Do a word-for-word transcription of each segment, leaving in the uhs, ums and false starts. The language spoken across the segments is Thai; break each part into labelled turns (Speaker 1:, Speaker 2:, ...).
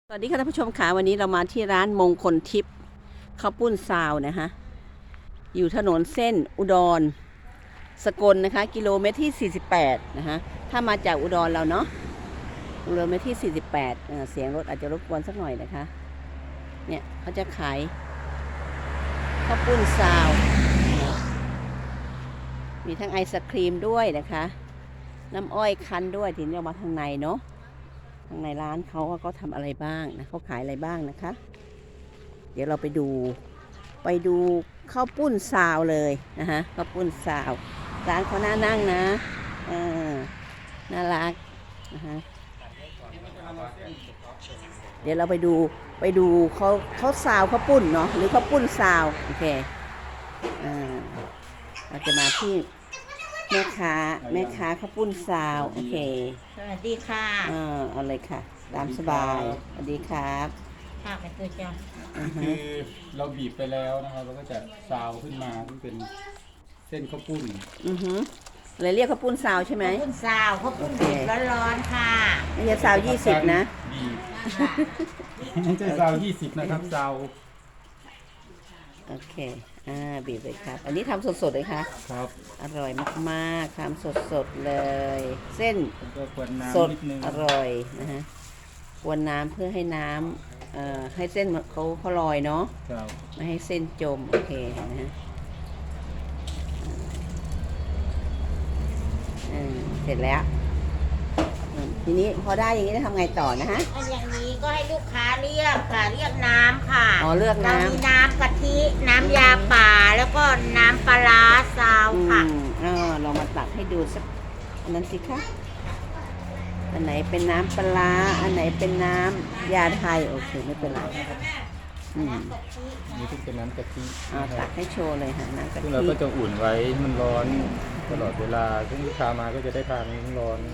Speaker 1: สวัสดีค่ะท่านผู้ชมค่ะวันนี้เรามาที่ร้านมงคลทิพย์ข้าวปุ้นซาวนะคะอยู่ถนนเส้นอุดรสกลนะคะกิโลเมตรที่สี่สิบแปดนะคะถ้ามาจากอุดรเราเนาะกิโลเมตรที่สี่สิบแปดเอ่อเสียงรถอาจจะรบกวนสักหน่อยนะคะเนี่ยเขาจะขายข้าวปุ้นซาวมีทั้งไอศครีมด้วยนะคะน้ำอ้อยคั้นด้วยทีนี้เรามาทางในเนาะทางในร้านเขาเขาทำอะไรบ้างนะเขาขายอะไรบ้างนะคะเดี๋ยวเราไปดูไปดูข้าวปุ้นซาวเลยนะคะข้าวปุ้นซาวร้านเขาน่านั่งนะเออน่ารักนะคะเดี๋ยวเราไปดูไปดูเขาเขาซาวข้าวปุ้นเนาะหรือข้าวปุ้นซาวโอเคอ่าเราจะมาที่แม่ค้าแม่ค้าข้าวปุ้นซาวโอเค
Speaker 2: สวัสดีค่ะ
Speaker 1: อ่าเอาเลยค่ะตามสบายสวัสดีครับ
Speaker 2: ค่ะเป็นตัวจ้า
Speaker 3: คือเราบีบไปแล้วนะครับเราก็จะซาวขึ้นมาที่เป็นเส้นข้าวปุ้น
Speaker 1: อือฮึเลยเรียกข้าวปุ้นซาวใช่ไหม
Speaker 2: ข้าวปุ้นซาวข้าวปุ้นดิบร้อนๆค่ะ
Speaker 1: ไม่ใช่ซาวยี่สิบนะ
Speaker 3: บีบไม่ใช่ซาวยี่สิบนะครับซาว
Speaker 1: โอเคอ่าบีบเลยครับอันนี้ทำสดๆเลยค่ะ
Speaker 3: ครับ
Speaker 1: อร่อยมากๆทำสดๆเลย เส้นสดอร่อยนะฮะกวนน้ำเพื่อให้น้ำเอ่อให้เส้นเขาเขาลอยเนาะไม่ให้เส้นจมโอเคนะฮะเสร็จแล้วทีนี้พอได้อย่างนี้จะทำไงต่อนะฮะ
Speaker 2: อย่างนี้ก็ให้ลูกค้าเรียกค่ะเรียกน้ำค่ะ
Speaker 1: อ๋อเลือกน้ำ
Speaker 2: เรามีน้ำกะทิน้ำยาป่าแล้วก็น้ำปลาซาวค่ะ
Speaker 1: อ๋อเรามาตักให้ดูสักอันนั้นสิคะอันไหนเป็นน้ำปลาอันไหนเป็นน้ำยาไทยโอเคไม่เป็นไรอืม
Speaker 3: นี่ต้องเป็นน้ำกะทิ
Speaker 1: อ๋อตักให้โชว์เลยค่ะน้ำกะทิ
Speaker 3: ซึ่งเราก็จะอุ่นไว้มันร้อนตลอดเวลาซึ่งลูกค้ามาก็จะได้ทานร้อน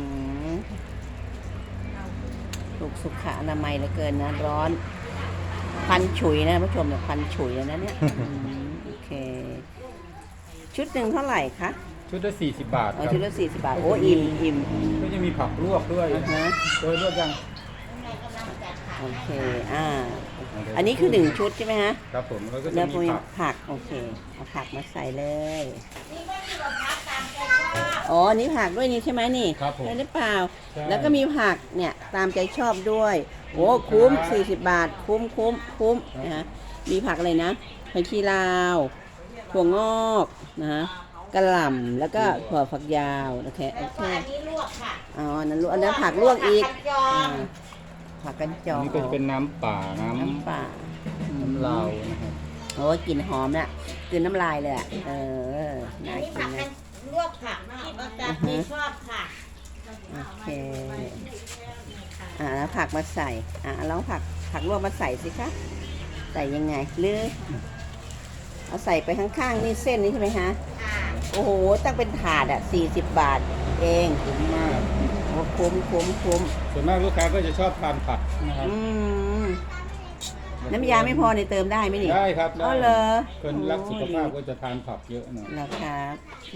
Speaker 1: ถูกสุขอนามัยเหลือเกินนะร้อนพันฉุยนะผู้ชมเนี่ยพันฉุยนะเนี่ยโอเคชุดหนึ่งเท่าไหร่คะ
Speaker 3: ชุดละสี่สิบบาทครับ
Speaker 1: ชุดละสี่สิบบาทโอ้อิ่มอิ่ม
Speaker 3: ก็จะมีผักลวกด้วยนะโดยลวกยัง
Speaker 1: โอเคอ่าอันนี้คือหนึ่งชุดใช่ไหมฮะ
Speaker 3: ครับผมแล้วก็
Speaker 1: จะ
Speaker 3: มี
Speaker 1: ผักโอเคเอาผักมาใส่เลยอ๋อนี่ผักด้วยนี่ใช่ไหมนี่ใช่หรือเปล่าแล้วก็มีผักเนี่ยตามใจชอบด้วยโอ้คุ้มสี่สิบบาทคุ้มคุ้มคุ้มนะฮะมีผักอะไรนะผักชีลาวถั่วงอกนะฮะกระหล่ำแล้วก็ถั่วฝักยาวโอเคโอเค
Speaker 2: อันนี้ลวกค่ะ
Speaker 1: อ๋อนั่นลวกอันนั้นผักลวกอีกผักกันจอง
Speaker 3: นี่ก็จะเป็นน้ำป่าน้
Speaker 1: ำน้ำป่า
Speaker 3: น้ำลาวนะครับ
Speaker 1: โอ้กลิ่นหอมเนี่ยกลืนน้ำลายเลยอ่ะเออน่ากินนะ
Speaker 2: ลวกผักที่ประจำที่ชอบค่ะ
Speaker 1: โอเคอ่าแล้วผักมาใส่อ่าแล้วผักผักลวกมาใส่สิคะใส่ยังไงหรือเอาใส่ไปข้างๆนี่เส้นนี้ใช่ไหมฮะโอ้โหตั้งเป็นถาดอ่ะสี่สิบบาทเอง
Speaker 3: คุ้มมาก
Speaker 1: โอ้คุ้มคุ้มคุ้ม
Speaker 3: ส่วนมากลูกค้าก็จะชอบทานผักนะครับ
Speaker 1: น้ำยาไม่พอในเติมได้ไหมนี่
Speaker 3: ได้ครับ
Speaker 1: อ๋อเหรอ
Speaker 3: คนรักสุขภาพก็จะทานผักเยอะหน่อย
Speaker 1: นะครับ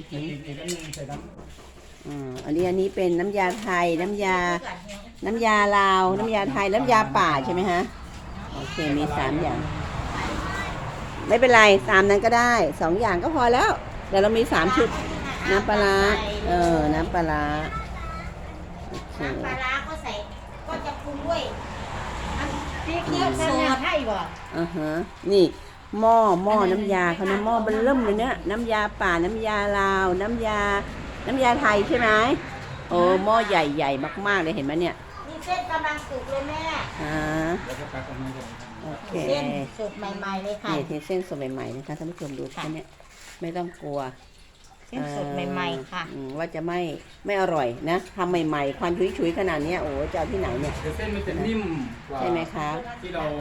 Speaker 1: อืมอันนี้อันนี้เป็นน้ำยาไทยน้ำยาน้ำยาลาวน้ำยาไทยน้ำยาป่าใช่ไหมฮะโอเคมีสามอย่างไม่เป็นไรสามนั้นก็ได้สองอย่างก็พอแล้วแต่เรามีสามชุดน้ำปลาเออน้ำปลา
Speaker 2: น้ำปลาก็ใส่ก็จะปรุงด้วยซีเคียวโซดให้บ่
Speaker 1: อ่าฮะนี่หม้อหม้อน้ำยาเขานะหม้อเบิ่มเริ่มเลยเนี่ยน้ำยาป่าน้ำยาลาวน้ำยาน้ำยาไทยใช่ไหมโอ้หม้อใหญ่ๆมากๆเลยเห็นไหมเนี่ย
Speaker 2: นี่เส้นกำลังสุกเลยแม่
Speaker 1: อ่าโอเค
Speaker 2: เส้นสดใหม่ๆเลยค่ะ
Speaker 1: นี่เส้นสดใหม่ๆนะคะท่านผู้ชมดูแค่นี้ไม่ต้องกลัว
Speaker 2: เส้นสดใหม่ๆค่ะ
Speaker 1: ว่าจะไม่ไม่อร่อยนะทำใหม่ๆควันชุยๆขนาดนี้โอ้จะเอาที่ไหนเนี่ย
Speaker 3: เส้นมันจะนิ่มกว่า
Speaker 1: ใช่ไหมคะ
Speaker 3: ที่เรา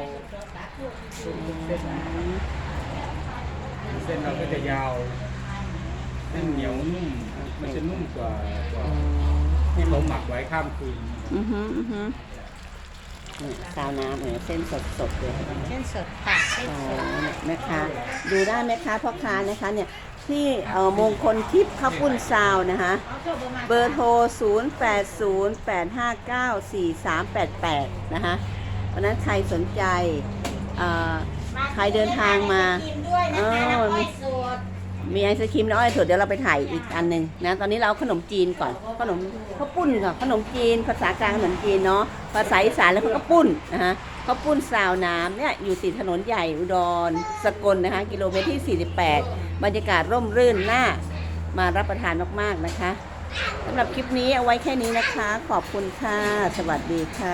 Speaker 3: เส้นเราก็จะยาวเส้นเหนียวนุ่มมันจะนุ่มกว่าที่เราหมักไว้ข้ามคืน
Speaker 1: อือฮึอือฮึซาวน้ำเหมือนเส้นสดๆเลย
Speaker 2: เส้นสดค่ะเส้นสด
Speaker 1: แม่ค้าดูได้แม่ค้าพ่อค้านะคะเนี่ยที่มงคลทิพย์ข้าวปุ้นซาวนะคะเบอร์โทรศูนย์ แปด ศูนย์ แปด ห้า เก้า สี่ สาม แปด แปดนะคะเพราะฉะนั้นใครสนใจเอ่อ ใครเดินทางมา
Speaker 2: กินด้วยนะคะน้ำอ้อยสด
Speaker 1: มีไอศครีมน้ำอ้อยสดเดี๋ยวเราไปถ่ายอีกอันหนึ่งนะตอนนี้เราเอาขนมจีนก่อนขนมข้าวปุ้นก่อนขนมจีนภาษากลางขนมจีนเนาะภาษาอีสานแล้วก็ข้าวปุ้นนะฮะข้าวปุ้นซาวน้ำเนี่ยอยู่ติดถนนใหญ่อุดรสกลนะคะกิโลเมตรที่สี่สิบแปดบรรยากาศร่มรื่นน่ามารับประทานมากๆนะคะสำหรับคลิปนี้เอาไว้แค่นี้นะคะ ขอบคุณค่ะ สวัสดีค่ะ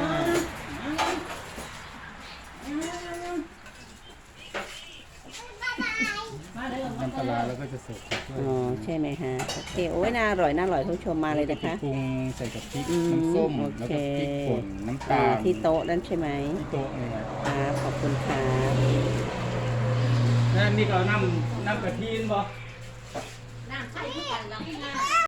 Speaker 3: น้ำปลาร้าแล้วก็จะเสิร์ฟกับถ้วย
Speaker 1: อ๋อใช่ไหมฮะโอเคโอ้ยน่าอร่อยน่าอร่อยทุกชมมาเลยนะคะ
Speaker 3: ปรุงใส่กับพริก
Speaker 1: อืม
Speaker 3: น้ำส้ม
Speaker 1: โอ
Speaker 3: แล้ว
Speaker 1: เค
Speaker 3: ก็พริกป่นน้ำตา
Speaker 1: อ่า
Speaker 3: ล
Speaker 1: ที่โต๊ะนั่นใช่ไหม
Speaker 3: ที่โต๊ะนี่ไง
Speaker 1: ครับขอบคุณครับ
Speaker 3: นั่นนี่ก็น้ำน้ำกะทินบ่